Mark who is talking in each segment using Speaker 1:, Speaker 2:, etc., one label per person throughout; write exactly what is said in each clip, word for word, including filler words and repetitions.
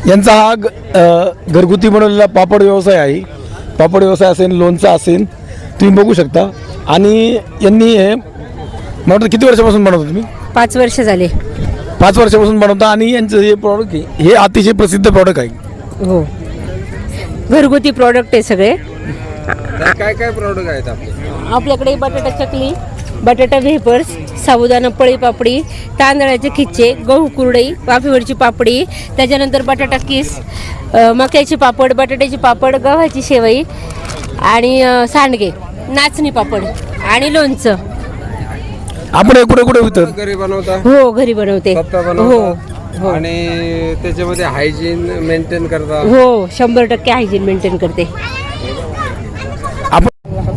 Speaker 1: यांचा हा ग- अ, घरगुती बनवलेला पापड व्यवसाय आहे. पापड व्यवसाय असेल, लोणचा असेल, तुम्ही बघू शकता. आणि यांनी हे मला वाटतं किती वर्षापासून बनवता तुम्ही?
Speaker 2: पाच वर्ष झाले.
Speaker 1: पाच वर्षापासून बनवता. आणि यांचं हे प्रॉडक्ट आहे हे अतिशय प्रसिद्ध प्रॉडक्ट आहे.
Speaker 2: हो, घरगुती प्रॉडक्ट आहे सगळे.
Speaker 3: काय काय प्रॉडक्ट आहेत आपले?
Speaker 2: आपल्याकडे बटाटा चकली, बटाटा वेफर्स, साबुदाणा पळी पापडी, तांदळाचे खिच्चे, गहू कुरडई, वाफेवरची पापडी, त्याच्यानंतर बटाटा किस, अ, मक्याचे पापड, बटाट्याचे पापड, गव्हाची शेवई आणि अ, सांडगे, नाचणी पापड आणि लोणचं.
Speaker 1: आपण हे कुठे कुठे विकतात?
Speaker 3: घरी बनवता?
Speaker 2: हो, घरी बनवते.
Speaker 3: स्वतः
Speaker 2: हो
Speaker 3: बनवता?
Speaker 2: हो
Speaker 3: आणि त्याच्यामध्ये हायजीन मेंटेन करता?
Speaker 2: हो, शंभर टक्के हायजीन मेंटेन करते.
Speaker 1: आपण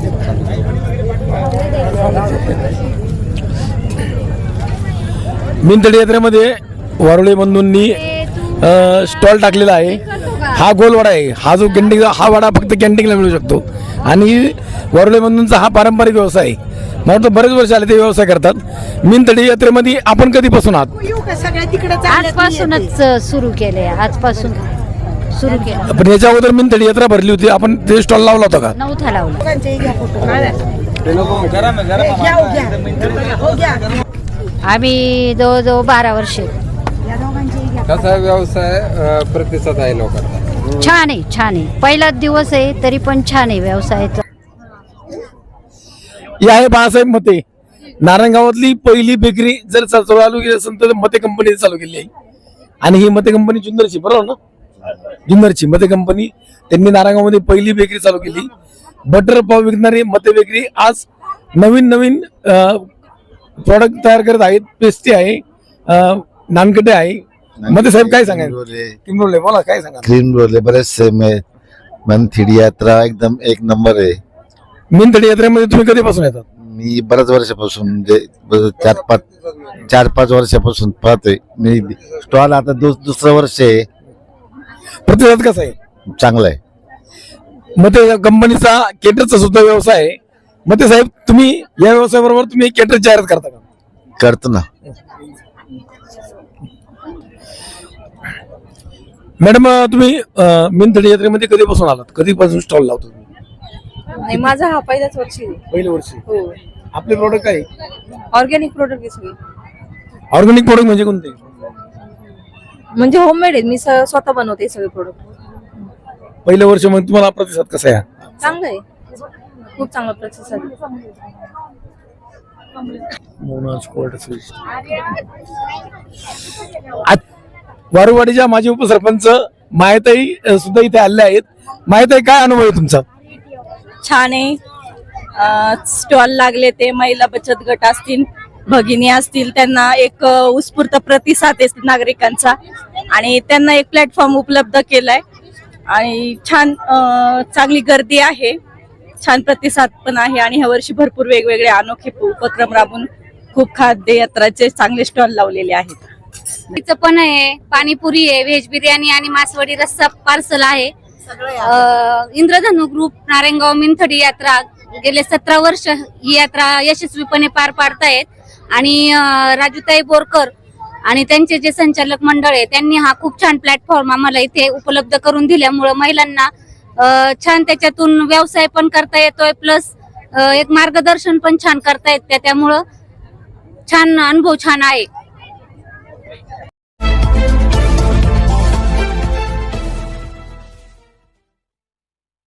Speaker 1: मिनतडी यात्रेमध्ये वारुळे बंधूंनी स्टॉल टाकलेला आहे. हा गोल वडा आहे. हा जो कॅन्टीन, हा वडा फक्त कॅन्टीनला मिळू शकतो. आणि वारुळे बंधूंचा हा पारंपरिक व्यवसाय आहे. मला वाटतं बरेच वर्ष आले ते व्यवसाय करतात. मिनतडी यात्रेमध्ये आपण कधीपासून आहात?
Speaker 4: आजपासूनच सुरू केले. आजपासून सुरू केलं.
Speaker 1: पण याच्या अगोदर मिनतडी यात्रा भरली होती, आपण ते स्टॉल लावला होता का?
Speaker 4: नवथा लावलं. आम्ही जवळजवळ बारा वर्षे.
Speaker 3: कसा व्यवसाय अं, प्रतिसाद आहे लोकांना?
Speaker 4: छान आहे, छान आहे. पहिलाच दिवस आहे तरी पण छान आहे व्यवसायाचा.
Speaker 1: ही आहे बाळासाहेब मते. नारायणगावातली पहिली बेकरी जर चा- चालू केली असेल तर मते कंपनी चालू केली आहे. आणि ही मते कंपनी जुन्नरची, बरोबर ना? जुन्नरची मते कंपनी, त्यांनी नारायणगावमध्ये पहिली बेकरी चालू केली. बटर पाव विकणारी मते बेकरी आज नवीन नवीन प्रॉडक्ट तयार करत आहेत. पेस्ट्री आहे, अ, नानकटे आहे. मते साहेब काय सांगायचं? किंबरोले बोला, काय सांगा?
Speaker 5: क्रीम रोल बरेचसे में मनथिडी यात्रा एकदम एक नंबर आहे.
Speaker 1: मिनतडी यात्रेमध्ये तुम्ही कधीपासून येतात?
Speaker 5: मी बऱ्याच वर्षापासून म्हणजे ब- चार पाच चार पाच वर्षापासून पाहतोय मी स्टॉल. आता दु, दुसरं वर्ष आहे.
Speaker 1: प्रतिसाद कसा आहे?
Speaker 5: चांगला आहे.
Speaker 1: मते कंपनीचा केटरचा सुद्धा व्यवसाय आहे. मते साहेब, तुम्ही या व्यवसायाबरोबर तुम्ही केटर जाहिरात करता का?
Speaker 5: करतो ना.
Speaker 1: मॅडम, तुम्ही मिनतडी यात्रेमध्ये कधीपासून आलात? कधीपासून स्टॉल लावतो तुम्ही?
Speaker 6: नाही, माझा हा पहिलाच वर्षी आहे.
Speaker 1: पहिलं वर्षी.
Speaker 6: हो,
Speaker 1: आपले प्रॉडक्ट काय?
Speaker 6: ऑर्गॅनिक प्रोडक्ट आहे सगळे.
Speaker 1: ऑर्गॅनिक प्रोडक्ट म्हणजे कोणते?
Speaker 6: म्हणजे होममेड आहे. मी स- स्वतः बनवते सगळे प्रोडक्ट.
Speaker 1: पहिलं वर्ष म्हणजे तुम्हाला प्रतिसाद कसा आहे?
Speaker 6: चांगलं आहे, खूप चांगला प्रतिसाद आहे.
Speaker 1: आज वारुवाडीच्या माजी उपसरपंच मायताई अ, सुद्धा इथे आले आहेत. मायताई, काय अनुभव आहे तुमचा?
Speaker 7: छान आहे. स्टॉल लागले ते महिला बचत गट असतील, भगिनी असतील, त्यांना एक अ, उत्स्फूर्त प्रतिसाद आहे नागरिकांचा. आणि त्यांना एक प्लॅटफॉर्म उपलब्ध केलाय. आणि छान अ, चांगली गर्दी आहे, छान प्रतिसाद पण आहे. आणि ह्या वर्षी भरपूर वेगवेगळे अनोखे उपक्रम राबून खूप खाद्य यात्राचे चांगले स्टॉल लावलेले आहेत.
Speaker 4: तिचं पण आहे, पाणीपुरी आहे, व्हेज बिर्याणी आणि मासवडी रस्सा पार्सल आहे. अं, इंद्रधनु ग्रुप नारायणगाव मिनथडी यात्रा गेले सतरा वर्ष ही यात्रा यशस्वीपणे पार पाडतायत. आणि अं, राजूताई बोरकर आणि त्यांचे जे संचालक मंडळ आहे त्यांनी हा खूप छान प्लॅटफॉर्म आम्हाला इथे उपलब्ध करून दिल्यामुळं महिलांना अं, छान त्याच्यातून व्यवसाय पण करता येतोय, प्लस एक मार्गदर्शन पण छान करता येत. त्यामुळं छान अनुभव छान आहे.